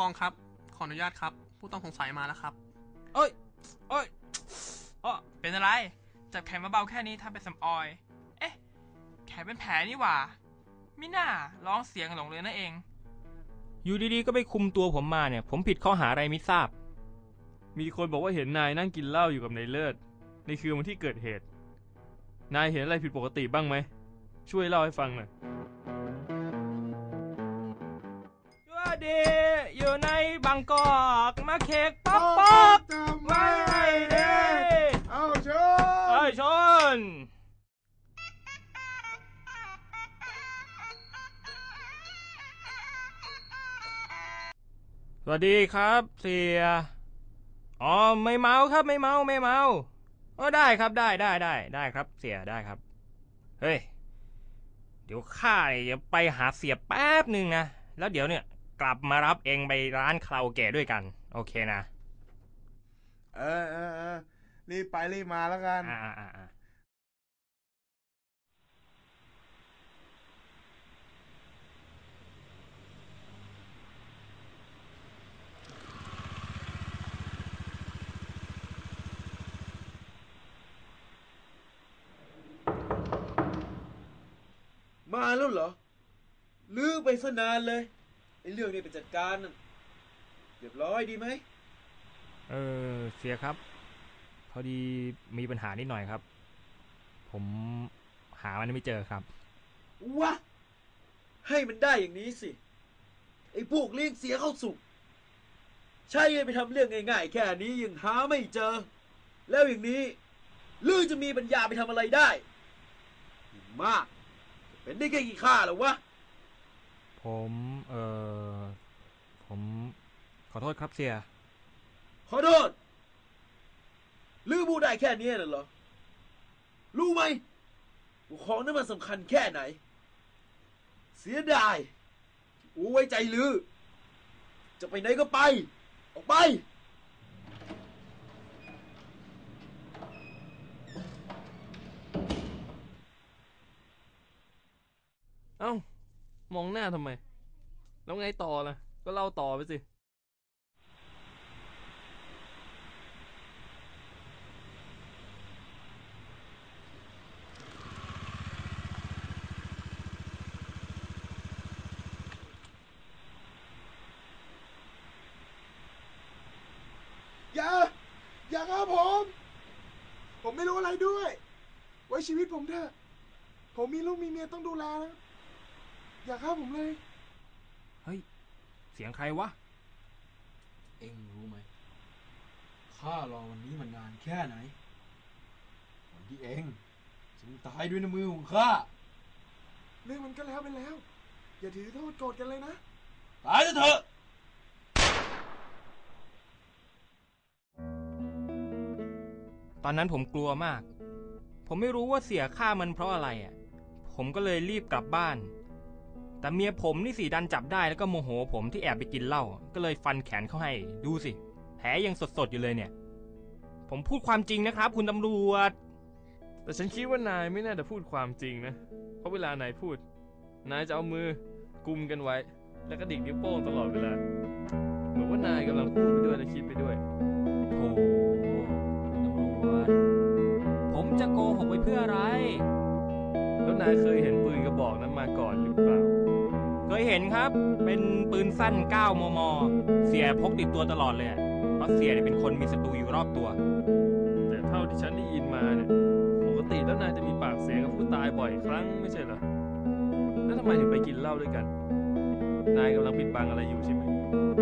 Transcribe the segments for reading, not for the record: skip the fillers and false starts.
กองครับขออนุญาตครับผู้ต้องสงสัยมาแล้วครับเอ้ยเป็นอะไรจับแขนมาเบาแค่นี้ทำเป็นสำออยเอ๊ะแขนเป็นแผลนี่หว่ามิน่าร้องเสียงหลงเลยนั่นเองอยู่ดีๆก็ไปคุมตัวผมมาเนี่ยผมผิดข้อหาอะไรไม่ทราบมีคนบอกว่าเห็นนายนั่งกินเหล้าอยู่กับนายเลิศในคืนวันที่เกิดเหตุนายเห็นอะไรผิดปกติบ้างไหมช่วยเล่าให้ฟังหน่อยว่าดีอยู่ในบางกอกมาเค้กป๊อกไม่เด้เอาชนสวัสดีครับเสียอ๋อไม่เมาครับไม่เมาได้ครับได้ครับเสียได้ครับเฮ้ยเดี๋ยวข้าจะไปหาเสียแป๊บหนึ่งนะแล้วเดี๋ยวเนี่ยกลับมารับเองไปร้านคาราโอเกะด้วยกันโอเคนะรีบไปรีบมาแล้วกันมาแล้วเหรอลือไปซะนานเลยไอ้เรื่องนี้ไปจัดการนั่นเรียบร้อยดีไหมเสียครับพอดีมีปัญหานิดหน่อยครับผมหามันไม่เจอครับวะให้มันได้อย่างนี้สิไอ้พวกเลี้ยงเสียเข้าสุกใช่ไปทำเรื่องง่ายๆแค่นี้ยังหาไม่เจอแล้วอย่างนี้ลือจะมีปัญญาไปทำอะไรได้มากเป็นได้แค่กี่ข้าหรอวะผมขอโทษครับเสียขอโทษลือพูดได้แค่นี้น่ะเหรอรู้ไหมว่าของนั้นมันสำคัญแค่ไหนเสียดายอูไว้ใจลือจะไปไหนก็ไปออกไปเอ้ามองหน้าทำไมแล้วไงต่อล่ะก็เล่าต่อไปสิอย่าครับผมไม่รู้อะไรด้วยไว้ชีวิตผมเถอะผมมีลูกมีเมียต้องดูแลนะอย่าฆ่าผมเลยเฮ้ยเสียงใครวะเอ็งรู้ไหมข้ารอวันนี้มันนานแค่ไหนวันที่เอ็งจะตายด้วยน้ำมือของข้าเรื่องมันก็แล้วไปแล้วอย่าถือโทษโกรธกันเลยนะตายเถอะตอนนั้นผมกลัวมากผมไม่รู้ว่าเสียฆ่ามันเพราะอะไรผมก็เลยรีบกลับบ้านแต่เมียผมนี่สิดันจับได้แล้วก็โมโหผมที่แอบไปกินเหล้าก็เลยฟันแขนเขาให้ดูสิแผลยังสดๆอยู่เลยเนี่ยผมพูดความจริงนะครับคุณตำรวจแต่ฉันคิดว่านายไม่น่าจะพูดความจริงนะเพราะเวลานายพูดนายจะเอามือกุมกันไว้แล้วก็ดิ่งนิ้วโป้งตลอดเวลาเหมือนว่านายกำลังพูดไปด้วยและคิดไปด้วยโธ่ตำรวจผมจะโกหกไปเพื่ออะไรแล้วนายเคยเห็นปืนกระบอกนั้นมาก่อนหรือเปล่าเคยเห็นครับเป็นปืนสั้น9 มม.เสียพกติดตัวตลอดเลยเพราะเสียเป็นคนมีศัตรูอยู่รอบตัวแต่เท่าที่ฉันได้ยินมาเนี่ยปกติแล้วนายจะมีปากเสียงกับผู้ตายบ่อยครั้งไม่ใช่เหรอแล้วทำไมถึงไปกินเหล้าด้วยกันนายกำลังปิดบังอะไรอยู่ใช่ไหม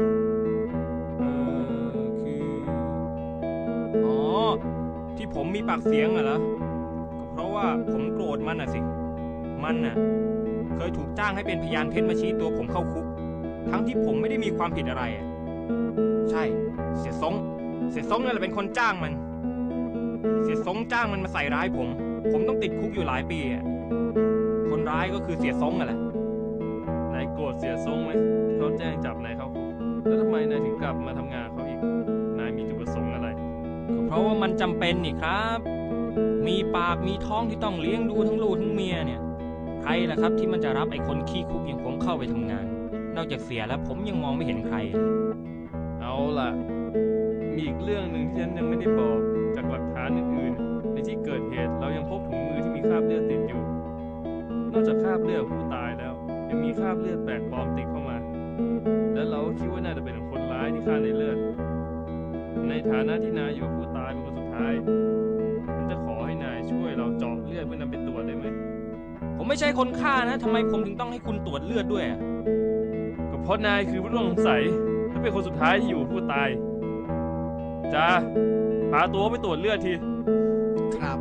คืออ๋อที่ผมมีปากเสียงเหรอเพราะว่าผมโกรธมันสิมันเคยถูกจ้างให้เป็นพยานเท็จมาชี้ตัวผมเข้าคุกทั้งที่ผมไม่ได้มีความผิดอะไรใช่เสียสงนั่นแหละเป็นคนจ้างมันเสียสงจ้างมันมาใส่ร้ายผมต้องติดคุกอยู่หลายปีคนร้ายก็คือเสียสงแหละนายโกรธเสียสงไหมที่เขาแจ้งจับนายเข้าคุกแล้วทำไมนายถึงกลับมาทำงานเขาอีกนายมีจุดประสงค์อะไรก็เพราะว่ามันจำเป็นนี่ครับมีปากมีท้องที่ต้องเลี้ยงดูทั้งลูกทั้งเมียเนี่ยใครล่ะครับที่มันจะรับไอ้คนขี้คุกอย่างผมเข้าไปทำงานนนอกจากเสียแล้วผมยังมองไม่เห็นใครเลยเอาล่ะ มีอีกเรื่องหนึ่งที่ฉันยังไม่ได้บอก จากหลักฐานอื่นๆ ในที่เกิดเหตุเรายังพบถุงมือที่มีคราบเลือดติดอยู่ นอกจากคราบเลือดผู้ตายแล้ว ยังมีคราบเลือดแปลกปลอมติดเข้ามา และเราก็คิดว่าน่าจะเป็นคนร้ายที่ฆ่าในเลือด ในฐานะที่นายอยู่กับผู้ตายเป็นคนสุดท้ายฉันจะขอให้นายช่วยเราเจาะเลือดเพื่อนำไปตรวจได้ไหมผมไม่ใช่คนฆ่านะทำไมผมถึงต้องให้คุณตรวจเลือดด้วยอะก็เพราะนายคือผู้ต้องสงสัยและเป็นคนสุดท้ายที่อยู่กับผู้ตายจ้าพาตัวไปตรวจเลือดทีครับ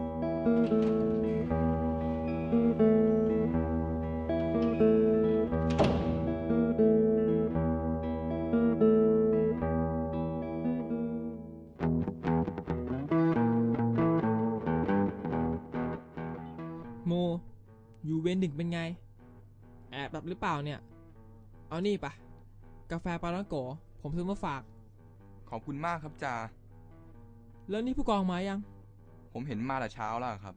โม อยู่เวรดึกเป็นไง แอบแบบหรือเปล่าเนี่ย เอานี่ปะกาแฟปาลังโกะผมซื้อมาฝากขอบคุณมากครับจ่าแล้วนี่ผู้กองมายังผมเห็นมาแต่เช้าแล้วครับ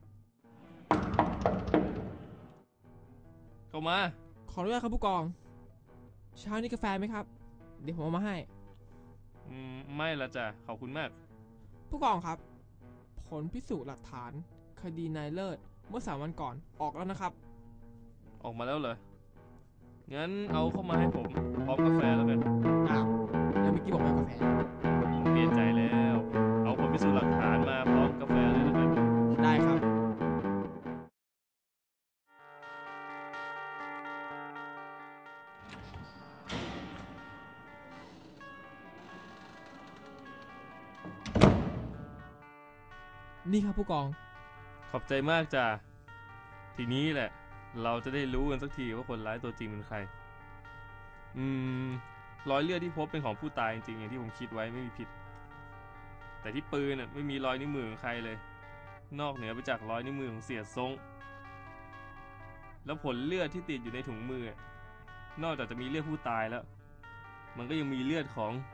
เข้ามาขออนุญาตครับผู้กอง เช้านี้กาแฟไหมครับ เดี๋ยวผมเอามาให้ไม่ละจ้ะขอบคุณมากผู้กองครับ ผลพิสูจน์หลักฐาน คดีนายเลิศเมื่อ3 วันก่อนออกแล้วนะครับออกมาแล้วเหรอ งั้นเอาเข้ามาให้ผมพร้อมกาแฟแล้วกันอ้าวแล้วเมื่อกี้บอกไม่เอากาแฟผมเปลี่ยนใจแล้ว เอาผลพิสูจน์หลักฐานมาพร้อมกาแฟเลยแล้วกันได้ครับ นี่ครับผู้กองขอบใจมากจ้ะ ทีนี้แหละ เราจะได้รู้กันสักทีว่าคนร้ายตัวจริงเป็นใคร รอยเลือดที่พบเป็นของผู้ตายจริงๆอย่างที่ผมคิดไว้ไม่มีผิด แต่ที่ปืนไม่มีรอยนิ้วมือของใครเลย นอกเหนือไปจากรอยนิ้วมือของเสียทรง แล้วผลเลือดที่ติดอยู่ในถุงมือนอกจากจะมีเลือดผู้ตายแล้ว มันก็ยังมีเลือดของ